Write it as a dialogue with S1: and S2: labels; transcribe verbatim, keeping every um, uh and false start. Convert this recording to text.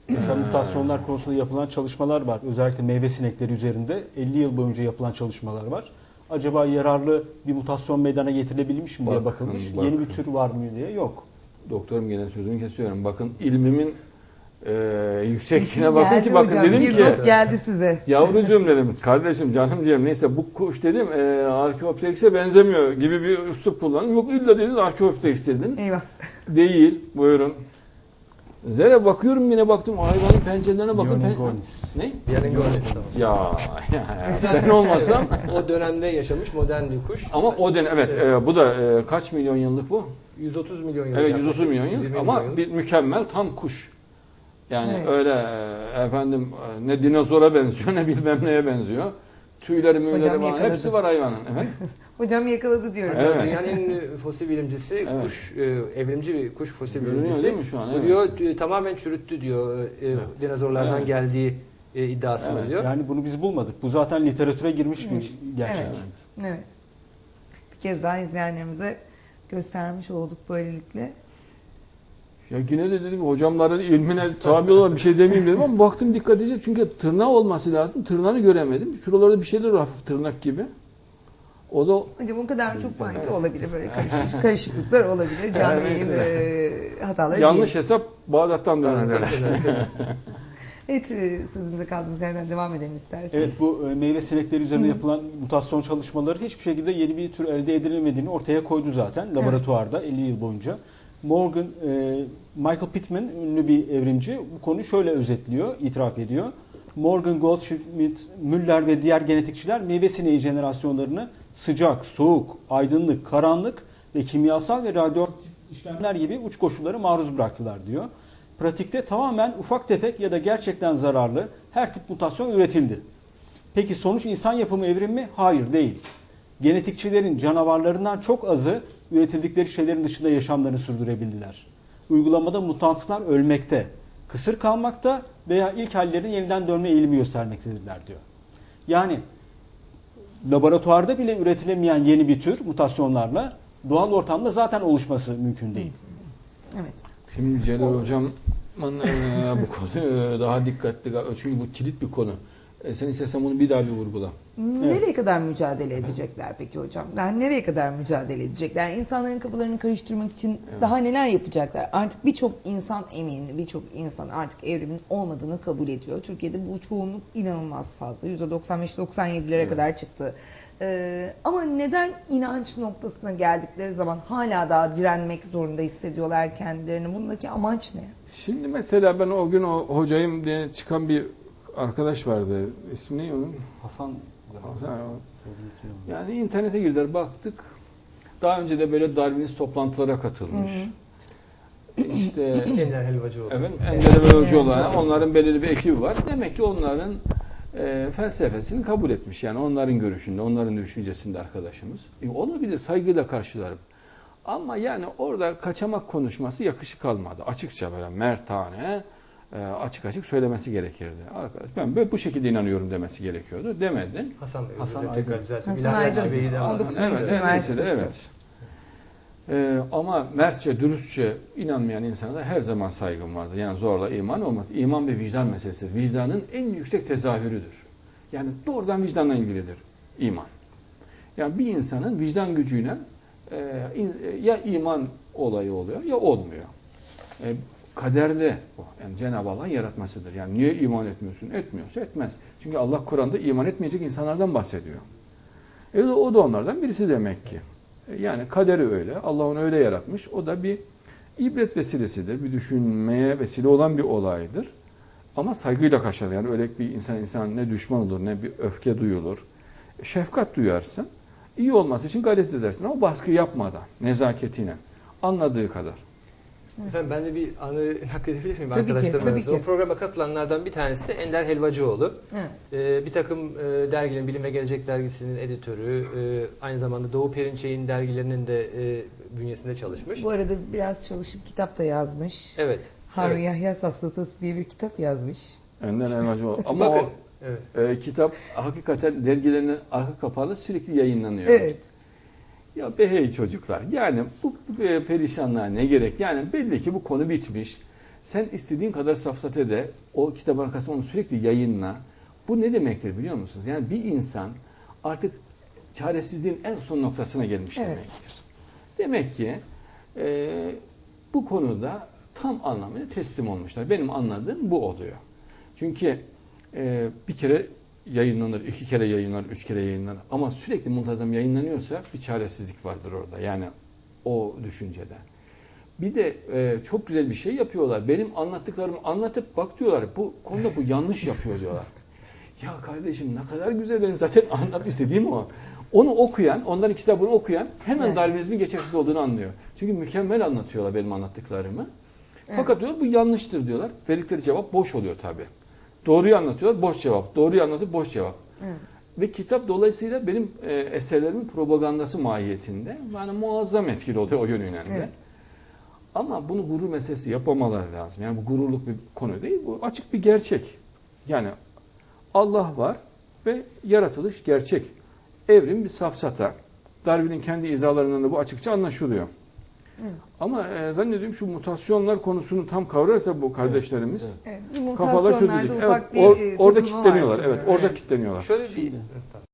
S1: Mesela mutasyonlar konusunda yapılan çalışmalar var. Özellikle meyve sinekleri üzerinde elli yıl boyunca yapılan çalışmalar var. Acaba yararlı bir mutasyon meydana getirilebilmiş mi diye
S2: Bakın,
S1: bakılmış.
S2: bakın.
S1: Yeni bir tür var mı diye yok.
S2: Doktorum gene sözünü kesiyorum. Bakın ilmimin e, yüksekliğine bakın
S3: Geldi
S2: ki bakın
S3: hocam,
S2: dedim
S3: bir
S2: ki
S3: not geldi size.
S2: yavrucuğum dedim, kardeşim, canım diyorum, neyse bu kuş dedim e, Archaeopteryx'e benzemiyor gibi bir üslup kullandım. Yok illa dediniz Archaeopteryx dediniz.
S3: Eyvah.
S2: Değil, buyurun. Zere bakıyorum, yine baktım hayvanın pencerelerine bakın.
S1: Ionegonis.
S2: Ne?
S4: Ionegonis.
S2: Ya, ya, ya ben olmasam.
S4: O dönemde yaşamış modern bir kuş.
S2: Ama o dönem evet,
S4: Evet.
S2: E, bu da e, kaç milyon yıllık bu?
S4: yüz otuz milyon yıl.
S2: Evet, yüz otuz milyon yıl
S4: yirmi
S2: ama
S4: milyon
S2: bir mükemmel tam kuş. Yani
S3: Evet.
S2: öyle e, efendim e, ne dinozora benziyor ne bilmem neye benziyor. Tüyleri müyleri
S3: Hocam
S2: falan
S3: yakaladı.
S2: hepsi var hayvanın. Evet.
S3: Hocam yakaladı diyorum.
S2: Evet.
S4: Dünyanın en ünlü fosil bilimcisi,
S2: Evet.
S4: kuş, e, evrimci bir kuş fosil
S2: Görünüyor
S4: bilimcisi.
S2: değil mi şu an?
S4: Bu
S2: Evet.
S4: diyor e, tamamen çürüttü diyor. E,
S2: Evet.
S4: Dinozorlardan
S2: Evet.
S4: geldiği e, iddiasını
S2: Evet.
S4: diyor.
S1: Yani bunu biz bulmadık. Bu zaten literatüre girmiş bir gerçek.
S3: Evet. Evet. Bir kez daha izleyenlerimize göstermiş olduk böylelikle.
S2: Ya yine de dedim hocamların ilmine tabi olan bir şey demeyeyim dedim ama baktım dikkat edeceğim çünkü tırnağı olması lazım. Tırnağını göremedim. Şuralarda bir şeyler var, hafif tırnak gibi. O da
S3: Hocam o kadar çok banki olabilir, böyle karışmış karışıklıklar olabilir. Canlı yayın e, hataları
S2: yanlış
S3: değil.
S2: hesap Bağdat'tan dönerler.
S3: Evet, e, sözümüze kaldığımız yerden devam edelim isterseniz.
S1: Evet, bu e, meyve sinekleri üzerinde yapılan mutasyon çalışmaları hiçbir şekilde yeni bir tür elde edilemediğini ortaya koydu zaten laboratuvarda elli yıl boyunca. Morgan, e, Michael Pittman ünlü bir evrimci bu konuyu şöyle özetliyor, itiraf ediyor. Morgan, Goldschmidt, Müller ve diğer genetikçiler meyve sineği jenerasyonlarını sıcak, soğuk, aydınlık, karanlık ve kimyasal ve radyoaktif işlemler gibi uç koşullara maruz bıraktılar diyor. Pratikte tamamen ufak tefek ya da gerçekten zararlı her tip mutasyon üretildi. Peki sonuç insan yapımı evrim mi? Hayır, değil. Genetikçilerin canavarlarından çok azı üretildikleri şeylerin dışında yaşamlarını sürdürebildiler. Uygulamada mutantlar ölmekte, kısır kalmakta veya ilk hallerine yeniden dönme eğilimi göstermektedirler diyor. Yani laboratuvarda bile üretilemeyen yeni bir tür mutasyonlarla doğal ortamda zaten oluşması mümkün değil.
S3: Evet.
S2: Şimdi Celal Hocam'ın e, bu konu daha dikkatli, çünkü bu kilit bir konu. E, sen istersen bunu bir daha bir vurgula.
S3: Nereye
S1: Evet.
S3: kadar mücadele edecekler peki hocam? Yani nereye kadar mücadele edecekler? İnsanların kafalarını karıştırmak için
S2: Evet.
S3: daha neler yapacaklar? Artık birçok insan emin, birçok insan artık evrimin olmadığını kabul ediyor. Türkiye'de bu çoğunluk inanılmaz fazla. yüzde doksan beş doksan yedilere
S2: Evet.
S3: kadar çıktı. Ee, ama neden inanç noktasına geldikleri zaman hala daha direnmek zorunda hissediyorlar kendilerini? Bundaki amaç ne?
S2: Şimdi mesela ben o gün o hocayım diye çıkan bir arkadaş vardı. İsmi ne onun?
S1: Hasan,
S2: Hasan. Yani internete girdiler, baktık. Daha önce de böyle Darwinist toplantılara katılmış. İşte
S4: Ender Helvacıoğlu.
S2: evet, Ender ve Hocaoğlu,
S3: Evet.
S2: onların belirli bir ekibi var. Demek ki onların e, felsefesini kabul etmiş. Yani onların görüşünde, onların düşüncesinde arkadaşımız. E, olabilir, saygıyla karşılarım. Ama yani orada kaçamak konuşması yakışık almadı. Açıkça böyle mertane, e, açık açık söylemesi gerekirdi. Arkadaş ben böyle bu şekilde inanıyorum demesi gerekiyordu. Demedin.
S4: Hasan Bey,
S1: Hasan
S4: özür dilerim, tekrar
S1: Aydın.
S4: düzelteyim.
S3: Hasan
S4: İlahiyatçı
S3: Aydın,
S4: Bey'i de
S3: on
S4: Hasan-
S3: dokuz
S2: Evet,
S3: Mayıs
S2: evet,
S3: Üniversitesi.
S2: lisede, evet. Ee, ama mertçe, dürüstçe inanmayan insana da her zaman saygım vardır. Yani zorla iman olmaz. İman bir vicdan meselesi. Vicdanın en yüksek tezahürüdür. Yani doğrudan vicdanla ilgilidir iman. Yani bir insanın vicdan gücüyle e, in- ya iman olayı oluyor ya olmuyor. E, kaderde o. Yani Cenab-ı Allah'ın yaratmasıdır. Yani niye iman etmiyorsun? Etmiyorsa etmez. Çünkü Allah Kur'an'da iman etmeyecek insanlardan bahsediyor. E, o da onlardan birisi demek ki. Yani kaderi öyle. Allah onu öyle yaratmış. O da bir ibret vesilesidir. Bir düşünmeye vesile olan bir olaydır. Ama saygıyla karşılar. Yani öyle bir insan insan ne düşman olur ne bir öfke duyulur. Şefkat duyarsın. İyi olması için gayret edersin ama baskı yapmadan, nezaketiyle, anladığı kadar.
S4: Efendim ben de bir anı nakledebilir miyim
S3: Tabii ki,
S4: arkadaşlarım
S3: tabii
S4: arasında?
S3: ki.
S4: O programa katılanlardan bir tanesi de Ender Helvacıoğlu.
S3: Evet.
S4: Ee, bir takım e, dergilerin, Bilim ve Gelecek dergisinin editörü, e, aynı zamanda Doğu Perinçek'in dergilerinin de e, bünyesinde çalışmış.
S3: Bu arada biraz çalışıp kitap da yazmış.
S4: Evet.
S3: Harun
S4: evet.
S3: Yahya Safsatası diye bir kitap yazmış.
S2: Önden elmacı ol. Ama
S4: Bakın,
S2: o
S4: evet.
S2: e, kitap hakikaten dergilerinin arka kapağında sürekli yayınlanıyor.
S3: Evet.
S2: Ya be hey çocuklar, yani bu, bu perişanlığa ne gerek? Yani belli ki bu konu bitmiş. Sen istediğin kadar safsate de o kitabın arkasında onu sürekli yayınla. Bu ne demektir biliyor musunuz? Yani bir insan artık çaresizliğin en son noktasına gelmiş
S3: Evet.
S2: demektir. Demek ki e, bu konuda tam anlamıyla teslim olmuşlar. Benim anladığım bu oluyor. Çünkü e, bir kere yayınlanır, iki kere yayınlanır, üç kere yayınlanır. Ama sürekli muntazam yayınlanıyorsa bir çaresizlik vardır orada. Yani o düşüncede. Bir de e, çok güzel bir şey yapıyorlar. Benim anlattıklarımı anlatıp bak diyorlar. Bu konuda bu yanlış yapıyor diyorlar. Ya kardeşim ne kadar güzel, benim zaten anlatmak istediğim o. Onu okuyan, onların kitabını okuyan hemen
S3: Evet.
S2: Darwinizmin geçersiz olduğunu anlıyor. Çünkü mükemmel anlatıyorlar benim anlattıklarımı.
S3: Evet.
S2: Fakat diyorlar bu yanlıştır diyorlar. Verdikleri cevap boş oluyor tabii. Doğruyu anlatıyorlar, boş cevap. Doğruyu anlatıyor, boş cevap.
S3: Evet.
S2: Ve kitap dolayısıyla benim e, eserlerimin propagandası mahiyetinde. Yani muazzam etkili oluyor o yönüyle de.
S3: Evet.
S2: Ama bunu gurur meselesi yapamaları lazım. Yani bu gururluk bir konu değil, bu açık bir gerçek. Yani Allah var ve yaratılış gerçek. Evrim bir safsata. Darwin'in kendi izalarından da bu açıkça anlaşılıyor.
S3: Evet.
S2: Ama e, zannediyorum şu mutasyonlar konusunu tam kavrarsa bu kardeşlerimiz
S4: Evet.
S3: Evet, bu
S2: kafalar
S3: mutasyonlarda
S2: çözülecek.
S3: ufak
S2: Evet,
S3: bir
S2: or-
S3: e,
S2: orada
S3: takılma
S2: kilitleniyorlar.
S3: var
S2: Evet,
S3: sanıyorum.
S2: orada kilitleniyorlar.
S4: Şöyle bir
S1: Şimdi-
S4: Pardon.